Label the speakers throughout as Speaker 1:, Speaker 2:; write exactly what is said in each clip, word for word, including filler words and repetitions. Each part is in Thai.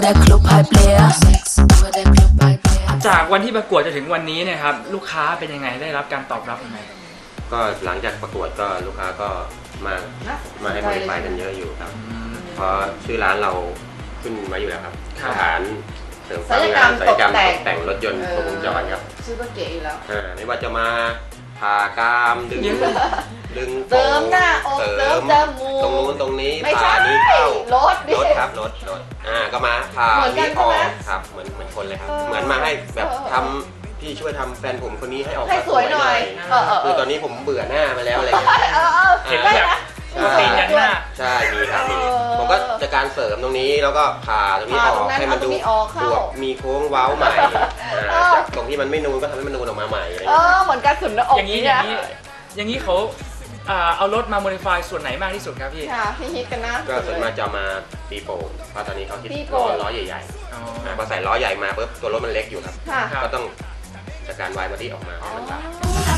Speaker 1: จากวันที่ประกวดจนถึงวันนี้เนี่ยครับลูกค้าเป็นยังไงได้รับการตอบรับยังไง
Speaker 2: ก็หลังจากประกวดก็ลูกค้าก็มามาให้บริการกันเยอะอยู่ครับเพราะชื่อร้านเราขึ้นมาอยู่แล้วครับสถานเสริมสร้างงานศัลยกรรมตกแต่งรถยนต์ครบวงจรครับ
Speaker 3: ชื่อก็เก๋อยู่แล้ว
Speaker 2: ไม่ว่าจะมาผ่ากรามดึงดึง
Speaker 3: เสริมหน้าอกเสริมจมูก
Speaker 2: ตรงนู้นตรงนี้ผ่านี้เข้าร
Speaker 3: ถ
Speaker 2: รถครับรถรถอ่าก็มาผ่านี้ออกครับเหมือนเหมือนคนเลยครับเหมือนมาให้แบบทำพี่ช่วยทำแฟนผมคนนี้ให้ออก
Speaker 3: ให้สวยหน่อย
Speaker 2: คือตอนนี้ผมเบื่อหน้ามาแล้วอะไรเงี้ย
Speaker 1: เห็นแบบตีนยันหน้า
Speaker 2: ใช่มีครับมีผมก็จะการเสริมตรงนี้แล้วก็ผ่าตรงนี้ออกให้มันดูบวกมีโค้งเว้าใหม่จากตรงที่มันไม่นูนก็ทำให้มันนูนออกมาใหม่
Speaker 3: เออเหมือนการสุดหน้าอก
Speaker 1: อย่างนี้อย่างนี้อย่างนี้เขาเอารถมาโมดิฟายส่วนไหนมากที่สุดครับพี่
Speaker 3: ค่ะพี่ฮิตกันนะ
Speaker 2: ก็ส่วนมากจะมาตีโป่งเพราะตอนนี้เขาคิดล้อล้อใหญ่ๆพอใส่ล้อใหญ่มาปุ๊บตัวรถมันเล็กอยู่ครับก็ต้องจัดการวายบอดี้ออกมาให้มันแบบ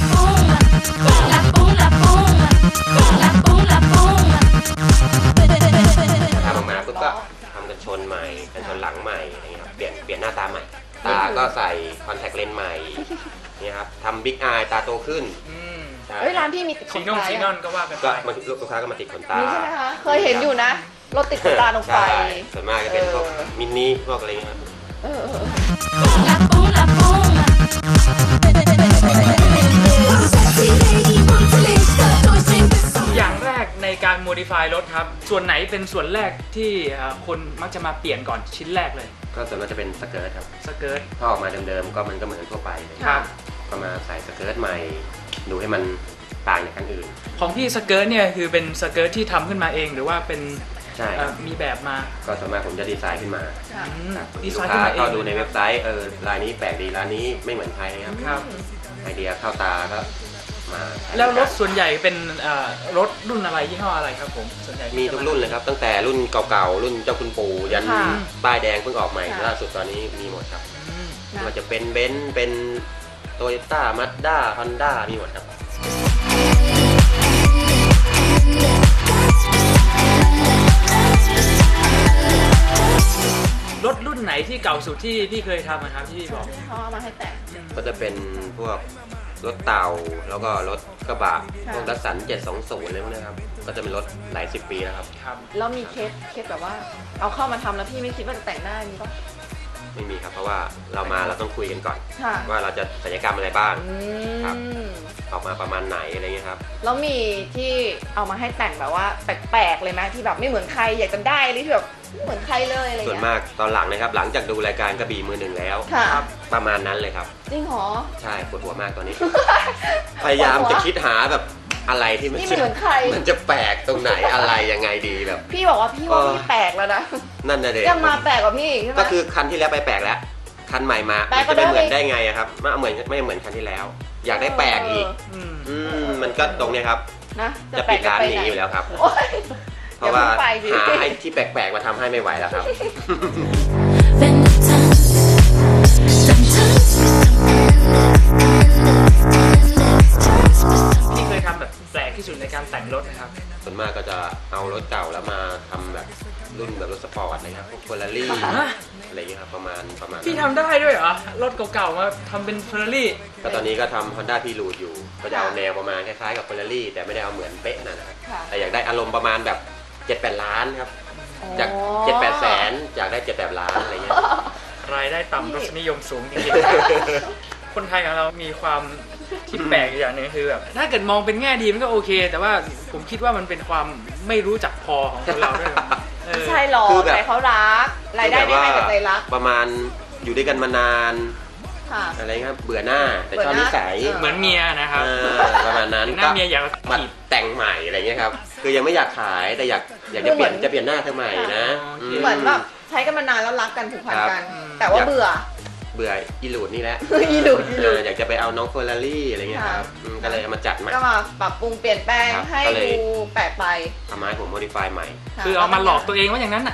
Speaker 2: ทำออกมาปุ๊บก็ทำกันชนใหม่กันชนหลังใหม่อะไรเงี้ยครับเปลี่ยนเปลี่ยนหน้าตาใหม่ตาก็ใส่คอนแทคเลนส์ใหม่นี่ครับทำบิ๊กอายตาโตขึ้น
Speaker 3: เฮ้ยร้านพี่มีติดขนตา
Speaker 1: ซีนอนก็ว่ากัน
Speaker 2: ไปก็ลูกค้าก็มาติดขนตา
Speaker 3: ใช่ไหมคะเคยเห็นอยู่นะรถติดขนตาลงไป
Speaker 2: ส่วนมากจะเป็นพวกมินิพวกอะไรเงี้ย
Speaker 1: อย่างแรกในการโมดิฟายรถครับส่วนไหนเป็นส่วนแรกที่คนมักจะมาเปลี่ยนก่อนชิ้นแรกเลย
Speaker 2: ก็ส่วนมากจะเป็นสเกิร์ตครับ
Speaker 1: สเกิร์ต
Speaker 2: ถ้าออกมาเดิมๆก็มันก็เหมือนทั่วไป
Speaker 1: ครับ
Speaker 2: ก็มาใส่สเกิร์ตใหม่ดูให้มันต่างจากคันอื่น
Speaker 1: ของพี่สเกิร์ตเนี่ยคือเป็นสเกิร์ตที่ทำขึ้นมาเองหรือว่าเป็น
Speaker 2: ใช่
Speaker 1: มีแบบมา
Speaker 2: ก็ส่วนมากผมจะดีไซน์ขึ้นมา
Speaker 1: ดีไซน์
Speaker 2: ขึ้นมาเองก็ดูในเว็บไซต์เออลายนี้แปลกดีร้านนี้ไม่เหมือนใครครับไอเดียเข้าตาก็มา
Speaker 1: แล้วรถส่วนใหญ่เป็นรถรุ่นอะไรยี่ห้ออะไรครับผมส่วนใหญ่
Speaker 2: มีทุกรุ่นเลยครับตั้งแต่รุ่นเก่าๆรุ่นเจ้าคุณปู่ยันป้ายแดงเพิ่งออกใหม่ล่าสุดตอนนี้มีหมดครับมันจะเป็นเบนซ์เป็นโตโยต้ามาสด้าฮอนด้ามีหมดครับ
Speaker 1: รถรุ่นไหนที่เก่าสุดที่พี่เคยทำนะครับที่พี่บอก
Speaker 3: เขาเอามาให้แต่ง
Speaker 2: ก็จะเป็นพวกรถเต่าแล้วก็รถกระบะพวกดัสสันเจ็ดสองศูนย์เลยพวกนี้ครับก็จะเป็นรถหลายสิบปีแล้วครับ
Speaker 1: ครับ
Speaker 3: แล้วมีเคสเคสแบบว่าเอาเข้ามาทำแล้วพี่ไม่คิดว่าจะแต่งได้มีปะ
Speaker 2: ไม่มีครับเพราะว่าเรามาเราต้องคุยกันก่อนว่าเราจะศัลยกรรมอะไรบ้างครับออกมาประมาณไหนอะไรเงี้ยครับ
Speaker 3: แล้วมีที่เอามาให้แต่งแบบว่าแปลกๆเลยไหมที่แบบไม่เหมือนใครอยากจะได้อะไรที่แบบไม่เหมือนใครเลยอะไรเงี้ย
Speaker 2: ส่วนมากตอนหลังนะครับหลังจากดูรายการกระบี่มือหนึ่งแล้วประมาณนั้นเลยครับ
Speaker 3: จริงเหรอ
Speaker 2: ใช่ปวดหัวมากตอนนี้ พยายามจะคิดหาแบบอะไรที่มัน
Speaker 3: ไม่เหมือนใคร
Speaker 2: มันจะแปลกตรงไหนอะไรยังไงดีแบบ
Speaker 3: พี่บอกว่าพี่ว่าพี่แปลกแล้วนะ
Speaker 2: นั่นน่ะเด็ก
Speaker 3: ยังมาแปลกกว่าพี่ใช่ไหม
Speaker 2: ก็คือคันที่แล้วไปแปลกแล้วคันใหม่มาจะไม่เหมือนได้ไงครับไม่เหมือนไม่เหมือนคันที่แล้วอยากได้แปลกอีกอืมมันก็ตรงนี้ครับจะปิดร้านหนีอยู่แล้วครับเพราะว่าหาไอ้ที่แปลกๆมาทำให้ไม่ไหวแล้วครับ
Speaker 1: พี่เคยทำแบบแปลกที่สุดในการแต่งรถนะครับ
Speaker 2: ส่วนมากก็จะเอารถเก่าแล้วมาทำแบบรุ่นแบบรถสปอร์ตนะครับพวกเฟอร์รารี่อะไรอย่างเงี้ยครับประมาณประมาณ
Speaker 1: พี่ทำได้ด้วยเหรอรถเก่าๆมาทำเป็นเฟอร์รารี่
Speaker 2: ก็ตอนนี้ก็ทำ Honda พีรูดอยู่ก็จะเอาแนวประมาณคล้ายๆกับเฟอร์รารี่แต่ไม่ได้เอาเหมือนเป๊ะนะครับแต่อยากได้อารมณ์ประมาณแบบเจ็ดแปดล้านครับจากเจ็ดแปดแสนอยากได้เจ็ดแปดล้านอะไรเงี้ย
Speaker 1: รายได้ต่ำรสนิยมสูงจริงๆคนไทยของเรามีความที่แปลกอย่างนึงคือแบบถ้าเกิดมองเป็นแง่ดีมันก็โอเคแต่ว่าผมคิดว่ามันเป็นความไม่รู้จักพอของคนเราด้วย
Speaker 3: ใช่หรอแต่เขารักรายได้ได้มาจากใจรัก
Speaker 2: ประมาณอยู่ด้วยกันมานานอะไรครับเบื่อหน้าแต่ชอบนิสัย
Speaker 1: เหมือนเมียนะครับ
Speaker 2: ประมาณนั้น
Speaker 1: หน้าเมียอยาก
Speaker 2: มาแต่งใหม่อะไรเงี้ยครับคือยังไม่อยากขายแต่อยากอยากจะเปลี่ยนจะเปลี่ยนหน้าเธอใหม่นะ
Speaker 3: เหมือนแบบใช้กันมานานแล้วรักกันผูกพันกันแต่ว่าเบื่อ
Speaker 2: เบื่ออีลูดนี่แหละ
Speaker 3: อีลูดอีลูด
Speaker 2: อยากจะไปเอาน้องเฟอร์รารี่อะไรเงี้ยครับก็เลยเอามาจัดใหม่
Speaker 3: ก็มาปรับปรุงเปลี่ยนแปลงให้ดูแปลกไป
Speaker 2: ทำให้ผมโมดิฟายใหม่
Speaker 1: คือเอามาหลอกตัวเองว่าอย่างนั้นน่ะ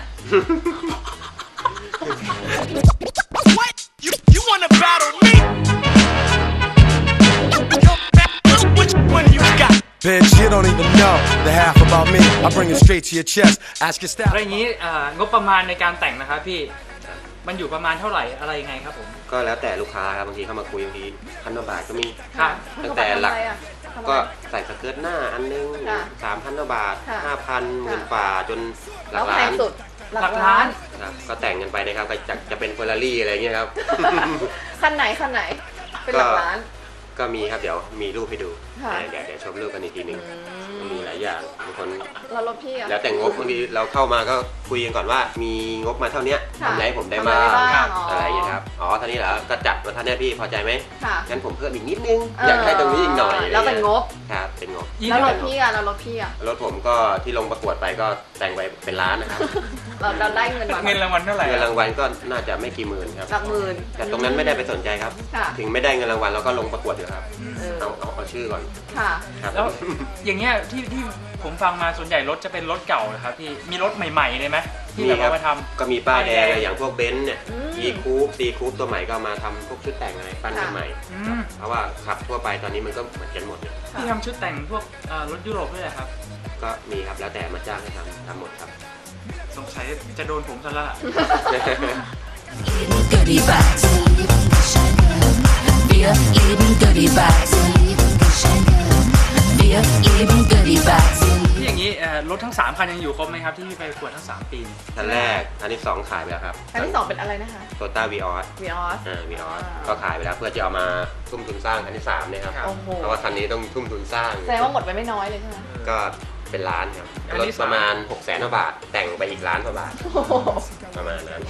Speaker 4: Bitch, you don't even know the half about me. I bring it straight to your chest. Ask your staff.
Speaker 1: อะไรอย่างนี้งบประมาณในการแต่งนะครับพี่มันอยู่ประมาณเท่าไหร่อะไรยังไงครับผม
Speaker 2: ก็แล้วแต่ลูกค้าครับบางทีเข้ามาคุยบางทีพันกว่าบาทก็มี
Speaker 1: ครับ
Speaker 2: ตั้งแต่หลัก
Speaker 3: ทำอะไรอะทำอะไร
Speaker 2: ก็ใส่สเกิร์ตหน้าอันนึง
Speaker 3: ค่ะ
Speaker 2: สามพันกว่าบาท
Speaker 3: ค่ะ
Speaker 2: ห้าพันหมื่นฝ่าจนหลั
Speaker 3: แล้
Speaker 2: ก
Speaker 3: วแพ
Speaker 2: ล้าง น
Speaker 3: สุด
Speaker 1: หลักล้าน
Speaker 2: ครับก็แต่งกันไปนะครับก็จะจะเป็นเฟอร์รารี่อะไรเงี้ยครับ
Speaker 3: คันไหนคันไหน เป็นหลักล้าน
Speaker 2: ก็มีครับเดี๋ยวมีรูปให้ดู
Speaker 3: ค่ะ
Speaker 2: เดี๋ยวเดี๋ยวชมรูปกันอีกทีหนึ่ง
Speaker 3: อื
Speaker 2: มีหลายอย่างบางคน
Speaker 3: แล้วรถพี่อะ
Speaker 2: แล้วแต่งบบางทีเราเข้ามาก็คุยกันก่อนว่ามีงบมาเท่าเนี้ย
Speaker 3: ค่ะ
Speaker 2: ทำอะไรให้ผมได้
Speaker 3: ทำ
Speaker 2: บ้า
Speaker 3: อะไร
Speaker 2: ง
Speaker 3: บ้าง
Speaker 2: อะไรอย่างเงี้ยครับอ๋อเท่านี้เหรอก็จัดมาเท่านี้พี่พอใจไหม
Speaker 3: ค่ะ
Speaker 2: งั้นผมเพิ่มอีกนิดนึงอยากได้ตรงนี้อีกหน่อย
Speaker 3: แล้วเป็นงบ
Speaker 2: ครับเป็นงบ
Speaker 3: แล้วรถพี่อะแล้วรถพี่อะ
Speaker 2: รถผมก็ที่ลงประกวดไปก็แต่งไปเป็นล้านนะครับ
Speaker 3: เราเราได้เงินมา
Speaker 1: เงินรางวัลเท่าไหร่
Speaker 2: เงินรางวัลก็น่าจะไม่กี่หมื่นครับ
Speaker 3: หลักหมื่น
Speaker 2: แต่ตรงนั้นไม่ได้ไปสนใจครับ
Speaker 3: ค่ะ
Speaker 2: ถึงไม่ได้เงินรางวัลเราก็ลงประกวดอยู่ครับ
Speaker 3: เออ
Speaker 2: เอาเอาเอาชื่อก่อน
Speaker 3: ค่ะ
Speaker 2: ครับ
Speaker 1: แล้วอย่างเงี้ยที่ที่ผมฟังมาส่วนใหญ่รถจะเป็นรถเก่านะครับพี่มีรถใหม่ๆเลยไหมที่แบบเอามาทำ
Speaker 2: ก็มีป้ายแดงอะไรอย่างพวกเบนซ์เนี่ย
Speaker 3: อืม
Speaker 2: E คูป C คูปตัวใหม่ก็มาทำพวกชุดแต่งอะไรปั้นกันใหม่
Speaker 1: อืม
Speaker 2: เพราะว่าขับทั่วไปตอนนี้มันก็เหมือนกันหมดเนี่ย
Speaker 1: ที่ทำชุดแต่งพวกเอ่อรถยุโรปด้วยเหรอครับ
Speaker 2: ก็มีครับแล้วแต่มาจ้างให้ทำทำหมดครับ
Speaker 1: สงสัยจะโดนผมซะแล้วล่ะ
Speaker 5: goodie bags. Wir lieben goodie bags. Wir lieben goodie bags.
Speaker 1: ที่อย่างนี้เอ่อรถทั้งสามคันยังอยู่ครบไหมครับที่พี่ไปประกวดทั้งสามปี
Speaker 2: คันแรกคันที่สองขายไปแล้วครับ
Speaker 3: อันที่สองเป็นอะไรนะคะ
Speaker 2: โตต้าวีออส
Speaker 3: วีออส
Speaker 2: อ่าวีออส
Speaker 3: อ่า
Speaker 2: ก็ขายไปแล้วเพื่อจะเอามาทุ่มทุนสร้างคันที่สามเนี่ยครับ
Speaker 3: โอ้โห
Speaker 2: เพราะว่าคันนี้ต้องทุ่มทุนสร้าง
Speaker 3: แสดงว่าหมดไปไม่น้อยเลยใช่ไหม
Speaker 2: ก็เป็นล้านครับ
Speaker 1: อัน
Speaker 2: รถ
Speaker 1: ที่
Speaker 2: ป
Speaker 1: สาม
Speaker 2: ระมาณหกแสนกว่าบาท แต่งไปอีกล้านกว่าบาท
Speaker 3: โอ้โห
Speaker 2: ประมาณนั้น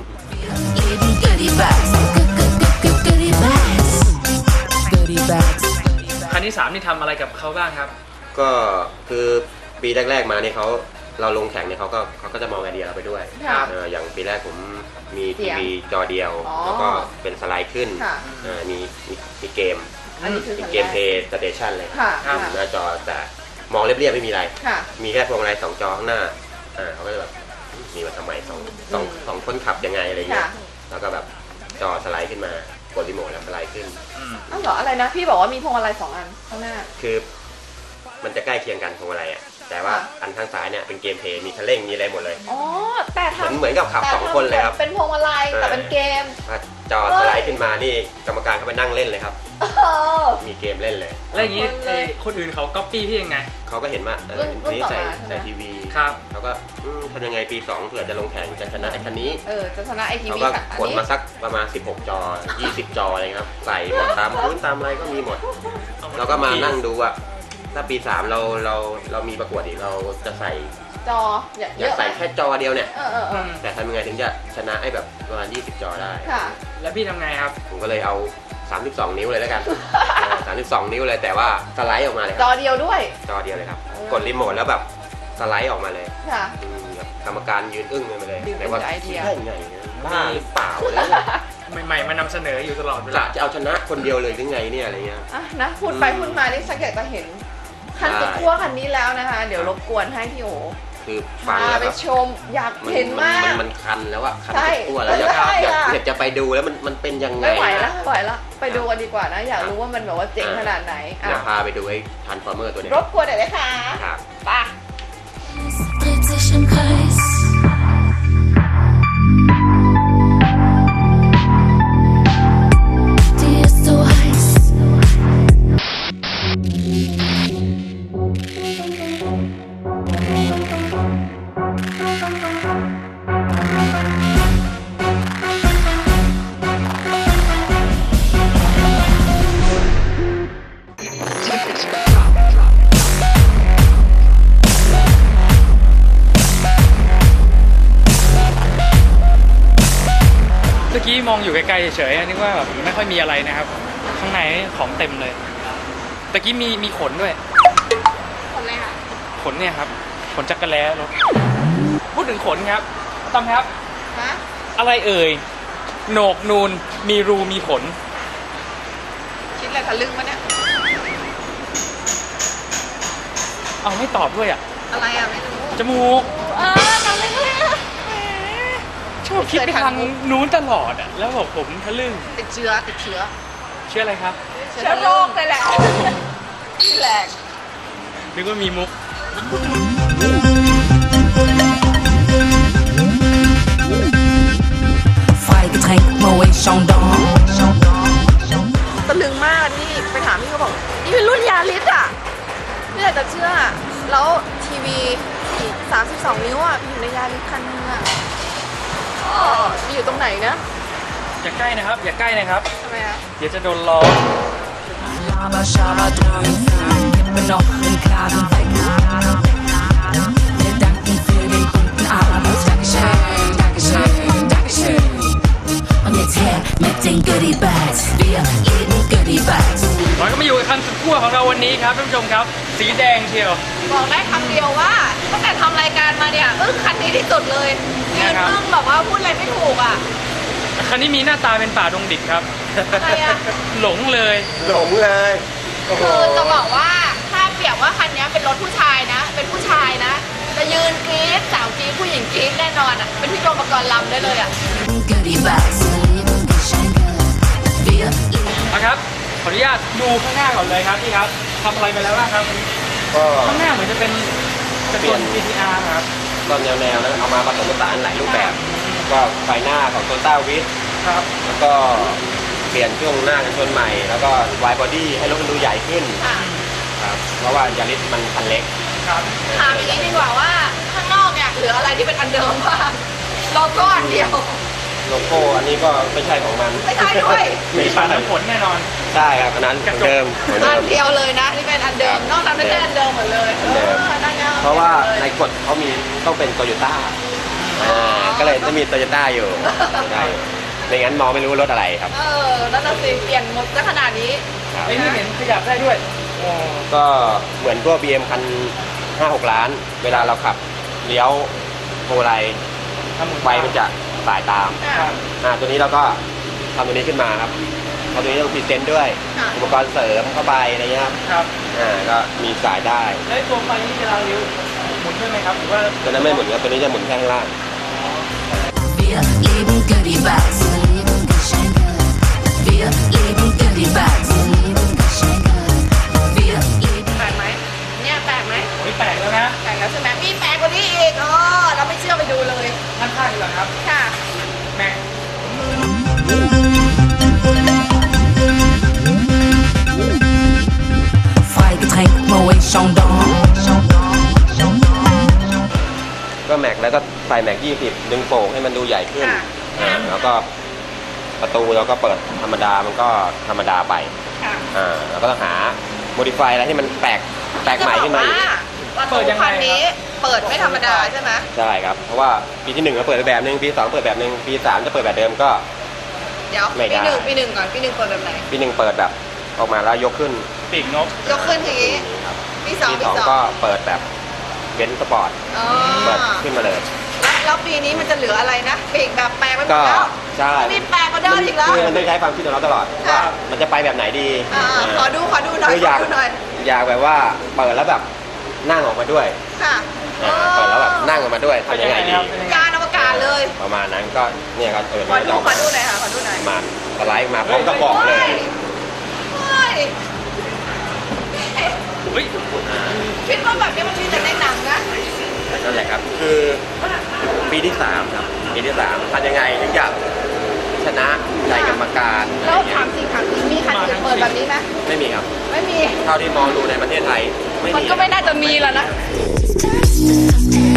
Speaker 5: Lieben goodie bags. Goodie bags. Goodie bags.
Speaker 1: คันที่สามนี่ทำอะไรกับเขาบ้างครับ
Speaker 2: ก็คือปีแรกๆมาเนี่ยเขาเราลงแข่งเนี่ยเขาก็เขาก็จะมองไอเดียเราไปด้วย
Speaker 3: ค่ะ
Speaker 2: เอออย่างปีแรกผมมี
Speaker 3: เสี
Speaker 2: ที
Speaker 3: ยง
Speaker 2: วีจอเดียว
Speaker 3: อ๋อ
Speaker 2: แล้วก็เป็นสไลด์ขึ้น
Speaker 3: ค่ะ
Speaker 2: เออมีมีมีเกม
Speaker 3: อันนี้คือ
Speaker 2: มี
Speaker 3: คัน
Speaker 2: เก
Speaker 3: แร
Speaker 2: ม
Speaker 3: ก
Speaker 2: เพย์สเตชันเลย
Speaker 3: ค่ะ
Speaker 1: ครับ
Speaker 3: ค่ะ
Speaker 2: หน้าจอแต่มองเรียบๆไม่มีอะไร
Speaker 3: ค่ะ
Speaker 2: มีแค่พวงมาลัยสองจอข้างหน้าอ่าเขาก็จะแบบมีมาทำไมสองสอง
Speaker 3: อืม
Speaker 2: สองคนขับยังไงอะไรเงี้ย
Speaker 3: ค่ะ
Speaker 2: แล้วก็แบบจอสไลด์ขึ้นมากดรีโมทแล้วสไลด์ขึ้น
Speaker 1: อืม
Speaker 3: อ้าวเหรออะไรนะ พี่บอกว่ามีพวงมาลัยสองอันข้างหน้า
Speaker 2: คือมันจะใกล้เคียงกันพวงมาลัยอ่ะแต่ว่า
Speaker 3: ค่ะ
Speaker 2: อันข้างซ้ายเนี่ยเป็นเกมเพย์มีคันเร่งมีอะไรหมดเลย
Speaker 3: อ๋อ แต่
Speaker 2: เหมือน
Speaker 3: ทำ
Speaker 2: เหมือนกับขับ
Speaker 3: แต่
Speaker 2: สองคนเลยครับ
Speaker 3: เป็นพวงมาลัยแต่เป็นเกม
Speaker 2: ถ้าจอสไลด์ขึ้นมานี่กรรมการเขาไปนั่งเล่นเลยครับ
Speaker 3: เออ
Speaker 2: มีเกมเล่นเลย
Speaker 1: แล้วอย่างนี้
Speaker 3: คนเลย
Speaker 1: เอ่อคนอื่นเขาก๊อปปี้พี่ยังไง
Speaker 2: เขาก็เห็นว่าเออ
Speaker 3: รุ่น
Speaker 2: นี่
Speaker 3: รุ่นต่อ
Speaker 2: ใส่
Speaker 3: มาใช่ไหม
Speaker 2: ใส่ทีวี
Speaker 1: ครับ
Speaker 2: เขาก็อืมทำยังไงปีสองเผื่อจะลงแข่งจะชนะไอ้คันนี้
Speaker 3: เออ จะชนะไอที
Speaker 2: เขา
Speaker 3: วี
Speaker 2: ก็
Speaker 3: ค่ะอั
Speaker 2: ข
Speaker 3: น
Speaker 2: น
Speaker 3: นี้
Speaker 2: มาสักประมาณสิบหกจอยี่สิบจออะไรครับ ใส่หมดตามพื้นตามอะไรก็มีหมด เราก็มานั่งดูว่าถ้าปีสามเราเราเรามีประกวดอีกเราจะใส่
Speaker 3: จอเยอะ
Speaker 2: อยากใส่แค่จอเดียวเนี่ย
Speaker 3: เออเออเอ
Speaker 1: อื
Speaker 3: อ
Speaker 1: ม
Speaker 2: แต่ทำยังไงถึงจะชนะไอ้แบบประมาณยี่สิบจอได้
Speaker 3: ค่ะ
Speaker 1: แล้วพี่ทำไงครับ
Speaker 2: ผมก็เลยเอาสามสิบสองนิ้วเลยแล้วกันเออสามสิบสองนิ้วเลยแต่ว่าสไลด์ออกมาเลยค
Speaker 3: จ
Speaker 2: รับ
Speaker 3: อเดียวด้วย
Speaker 2: จอเดียวเลยครับ
Speaker 3: เออ
Speaker 2: กดรีโมทแล้วแบบสไลด์ออกมาเลย
Speaker 3: ค่ะ
Speaker 2: อืมแบบกรรมการยืนอึ้งกันไปเลย
Speaker 3: ยืนอึ้ง
Speaker 2: แต่ว่า
Speaker 3: กับไอเดีย
Speaker 2: ได้ไงบ้าหรือเปล่าอะไรเงี้ย
Speaker 1: ใหม่ๆมานำเสนออยู่ตลอดเว
Speaker 2: จะ
Speaker 1: ลา
Speaker 2: จะเอาชนะคนเดียวเลยหรือไงเนี่ยอะไรเงี้ย
Speaker 3: อ่ะนะ พูดไปพูดมานี่ชักอยากจะเห็น คัน
Speaker 2: ได้
Speaker 3: สุดขั้วคันนี้แล้วนะคะ เดี๋ยวรบกวนให้พี่โอ
Speaker 2: คือฟัง
Speaker 3: พา
Speaker 2: แล้ว
Speaker 3: ไป
Speaker 2: แบบ
Speaker 3: ชม อยากเห็นมาก
Speaker 2: นมันคันแล้วอะคัน
Speaker 3: ใช่
Speaker 2: ตัวแล้วอยาก
Speaker 3: ใช่
Speaker 2: อยาก
Speaker 3: อะ
Speaker 2: อยากจะไปดูแล้วมันมันเป็นยังไง
Speaker 3: ไม่ไหวแล้ว
Speaker 2: นะ
Speaker 3: ไม่ไหวแล้ว ไปดูกันดีกว่านะ อยากรู้ว่ามันแบบว่าเจ๋งขนาดไหน อ่ะ
Speaker 2: เดี๋ยวพาไปดูไอ้ทันฟอร์เมอร์ตัวเนี้ย
Speaker 3: รบกวนหน่อยนะคะ
Speaker 2: ครับ
Speaker 3: ไป
Speaker 5: Dreht sich im Kreis. Die ist so heiß.
Speaker 1: เมื่อกี้มองอยู่ไกลๆเฉยๆนึกว่าแบบไม่ค่อยมีอะไรนะครับ ข้างในของเต็มเลยตะกี้มีมีขนด้วย
Speaker 3: คนเลยค่ะ
Speaker 1: ขนเนี่ยครับ ขนจักรแล้รถพูดถึงขนครับตอมครับ
Speaker 3: ฮะ
Speaker 1: อะไรเอ่ยโหนกนูนมีรูมีขน
Speaker 3: คิดอะไรทะลึ่งวะเนี่ย
Speaker 1: เอาไม่ตอบด้วยอ่ะ
Speaker 3: อะไรอ่ะ ไม่รู้
Speaker 1: จมูก
Speaker 3: เออทำเลยเลยอะ
Speaker 1: ชอบคิดไปทางนู้นตลอดอ่ะแล้วบอกผมทะลึ่ง
Speaker 3: ติดเชื้อ ติดเชื้อ
Speaker 1: เชื่ออะไรครับ
Speaker 3: เชื้อโรคเลยแหละนี่แหละ
Speaker 1: นึกว่ามีมุก
Speaker 5: S Getränk Moet Chandon
Speaker 3: ตะลึงมากนี่ไปถามพี่เขาบอกนี่เป็นรุ่นยาริสอ่ะไม่อยากจะเชื่อแล้วทีวีสามสิบสองนิ้วอ่ะอยู่ในยาริสคันนึงอ่ะอ๋ออยู่ตรงไหนนะ
Speaker 1: อย่าใกล้นะครับ อย่าใกล้นะครับ
Speaker 3: ทำไมอ่ะ
Speaker 1: เดี๋ยวจะโดนล้อ
Speaker 5: Laber, Schaber, Dröhn, kippe noch den Kragen weg. Wir danken für den guten Abend. Dankeschön, Dankeschön, Dankeschön. Und jetzt her mit den Goodie Bags. Wir lieben Goodie Bags.
Speaker 1: เราก็มาอยู่กับคันสุดขั้วของเราวันนี้ครับท่านผู้ชมครับ สีแดงเชียว
Speaker 3: บอกได้คำเดียวว่าตั้งแต่ทำรายการมาเนี่ยอึ้งคันนี้ที่สุดเลยยืน
Speaker 1: นะครับ
Speaker 3: อึ้งแบบว่าพูดอะไรไม่ถูกอ่ะ
Speaker 1: คันนี้มีหน้าตาเป็นป่าดงดิบครับ
Speaker 3: อะไรอะ
Speaker 1: หลงเลย
Speaker 2: หลงเลยโอ้โห
Speaker 3: คือจะบอกว่าถ้าเปรียบว่าคันนี้เป็นรถผู้ชายนะ เป็นผู้ชายนะจะยืนกรี๊ดสาวกรี๊ดผู้หญิงกรี๊ดแน่นอนอ่ะเป็นพี่โดมปกรณ์ลำได้เลยอ่ะ
Speaker 5: Goodie Bags. Wir lieben
Speaker 1: นะครับ ขออนุญาตดูข้างหน้าก่อนเลยครับพี่ครับทำอะไรไปแล้วบ้างครับ
Speaker 2: ก็
Speaker 1: ข้างหน้าเหมือนจะเป็นกระตุ้น พี ที อาร์ ครับ
Speaker 2: ก็แนวๆแล้วเอามาผสมผสานหลายรูปแบบ ก็ไฟหน้าของโตต้าวิส
Speaker 1: ครับ
Speaker 2: แล้วก็เปลี่ยนช่วงหน้ากันชนใหม่ แล้วก็วายบอดี้ให้รถมันดูใหญ่ขึ้น
Speaker 3: ค่ะ
Speaker 2: ครับเพราะว่ายาริสมันคันเล็ก
Speaker 1: ครับ
Speaker 3: ถามอย่างนี้ดีกว่าว่าข้างนอกเนี่ยเหลืออะไรที่เป็นอันเดิมบ้างโลโก้อันเดียว
Speaker 2: โลโก้อันนี้ก็ไม่ใช่ของมัน
Speaker 3: ไม่ใช่ด้วย
Speaker 1: มี
Speaker 2: ไม่
Speaker 1: ป่า
Speaker 2: ใช่
Speaker 1: น้ำฝนแน่นอน
Speaker 2: ใช่ครับอันนั้นเหมือนเดิมเหมือน
Speaker 3: อั
Speaker 2: เดิ
Speaker 3: น
Speaker 2: ม
Speaker 3: เดียวเลยนะนี่เป็นอันเดิมนอกนั้นไม่ใช่อันเดิมหมดเลย
Speaker 2: อันเดิม
Speaker 3: ออนั่นไง
Speaker 2: เพราะว่าใน
Speaker 3: ใน
Speaker 2: กฎเขามีต้องเป็นโตโยต้าอ่าก็เลยจะมีโตโยต้าอยู่ใช่ไม่งั้นมองไม่รู้รถอะไรครับ
Speaker 3: เออนั่นน่ะสิเปลี่ยนหมดซะขนาดนี้
Speaker 2: ครับ
Speaker 1: ไอ้นี่เห็นขยับได้ด้วยโอ้
Speaker 2: ก็เหมือนพวก บี เอ็ม คันห้าหกล้าน เวลาเราขับเลี้ยวโพไล
Speaker 1: ทำเหมือน
Speaker 2: ไฟมันจะสายตาม
Speaker 3: อ่ะ
Speaker 2: อ่าตัวนี้เราก็ทำตัวนี้ขึ้นมาครับทำตัวนี้ต้องพรีเซนต์ด้วย
Speaker 3: ค่ะ
Speaker 2: อุปกรณ์เสริมเข้าไปอะไรเงี้ยครับ
Speaker 1: ครับ
Speaker 2: อ่าก็มีสายได้
Speaker 1: แล้วไอ้ตัวไฟนี่เวลาเลี้ยวหมุนด้วยไหมครับหรือว่า
Speaker 2: ตัวนั้นไม่หมุนครับตัวนี้จะหมุนแค่ข้างล่าง
Speaker 5: Wir lieben Goodie Bags. Wir lieben Goodie Bags. Wir lieben
Speaker 3: แปลกไหมเนี่ยแปลกไหม
Speaker 1: โอ้ยแปลกแล้วนะ
Speaker 3: แปลกแล้วใช่ไหมมีแปลกกว่านี้อีกเออเราไม่เชื่อไปดูเลย
Speaker 1: ท่านข้างดีกว่าครับ
Speaker 3: ค่ะ
Speaker 1: แม็ก
Speaker 5: Freigetränk Moet Chandon.
Speaker 2: ก็แม็กแล้วก็ใส่แม็กยี่สิบดึงโป่งให้มันดูใหญ่ขึ้น
Speaker 3: ค่ะ
Speaker 2: อ่าแล้วก็ประตูเราก็เปิดธรรมดามันก็ธรรมดาไป
Speaker 3: ค่ะ
Speaker 2: อ่าเราก็ต้องหาโมดิฟายอะไรที่มันแปลกแปลกใหม่ขึ้นมาอีก
Speaker 3: ประตูคันนี้เปิดไม่ธรรมดาใช่ไหม
Speaker 2: ใช่ครับเพราะว่าปีที่หนึ่งเราเปิดแบบหนึ่งปีสองเปิดแบบหนึ่งปีสามจะเปิดแบบเดิมก็
Speaker 3: เดี๋ยว
Speaker 2: ไม่ได้
Speaker 3: ปีหนึ่งปีหนึ่งก่อนปีหนึ่งเปิดแบบไหน
Speaker 2: ปีหนึ่งเปิดแบบออกมาแล้วยกขึ้น
Speaker 1: ปีกนก
Speaker 3: ยกขึ้นทีนี้
Speaker 2: ครับ
Speaker 3: ปีสอง
Speaker 2: ปี
Speaker 3: ปี
Speaker 2: สอง
Speaker 3: สอง
Speaker 2: ก็เปิดแบบเบนซ์สปอร์ต
Speaker 3: อ๋อ
Speaker 2: เปิดขึ้นมาเลย
Speaker 3: แล้วแล้วปีนี้มันจะเหลืออะไรนะปีกแบบแปลกไปหม
Speaker 2: ก็
Speaker 3: ดแล้ว
Speaker 2: ใช่
Speaker 3: มีแปลกกว่าเดิมอีกแล้ว
Speaker 2: คือมันต้องใช้ความคิดของเราตลอด
Speaker 3: ค่ะ
Speaker 2: ว่ามันจะไปแบบไหนดี
Speaker 3: อ่าขอดูขอดูหน่อย
Speaker 2: คือ
Speaker 3: ข
Speaker 2: อ
Speaker 3: อย
Speaker 2: าก
Speaker 3: ดูหน่อย
Speaker 2: อยากแบบว่าเปิดแล้วแบบนั่งออกมาด้วย
Speaker 3: ค่ะ
Speaker 2: อ่าเปิดแล้วแบบนั่งออกมาด้วยทำยังไงดี
Speaker 3: ยานอวกาศเลย
Speaker 2: ประมาณนั้นก็เนี่ยก็เออ
Speaker 3: ขอ
Speaker 2: มัน
Speaker 3: ดู
Speaker 2: จะออก
Speaker 3: ขอ
Speaker 2: มา
Speaker 3: ดูหน่อยค่ะขอดูหน่อย
Speaker 2: ประมาณสไลด์มาพร้อมกระบอกเลย
Speaker 3: เฮ้ย
Speaker 1: เฮ้ย
Speaker 3: คิดว่าแบบนี้มันมีแต่ในหนังนะ
Speaker 2: นั่นแหละครับคือปีที่สามครับปีที่สามทำยังไงถึงจะชนะใจกรรมการอะไร
Speaker 3: แล้ว
Speaker 2: เงี้
Speaker 3: ถาย มจริงถามจริงมีคันอื่นเปิดแบบนี้ไหม
Speaker 2: ไม่มีครับ
Speaker 3: ไม่มี
Speaker 2: เท่าที่มองดูในประเทศไทยไม่
Speaker 3: มัน
Speaker 2: มี
Speaker 3: ก็ไม่น่าจะมีแล้วนะ
Speaker 5: Just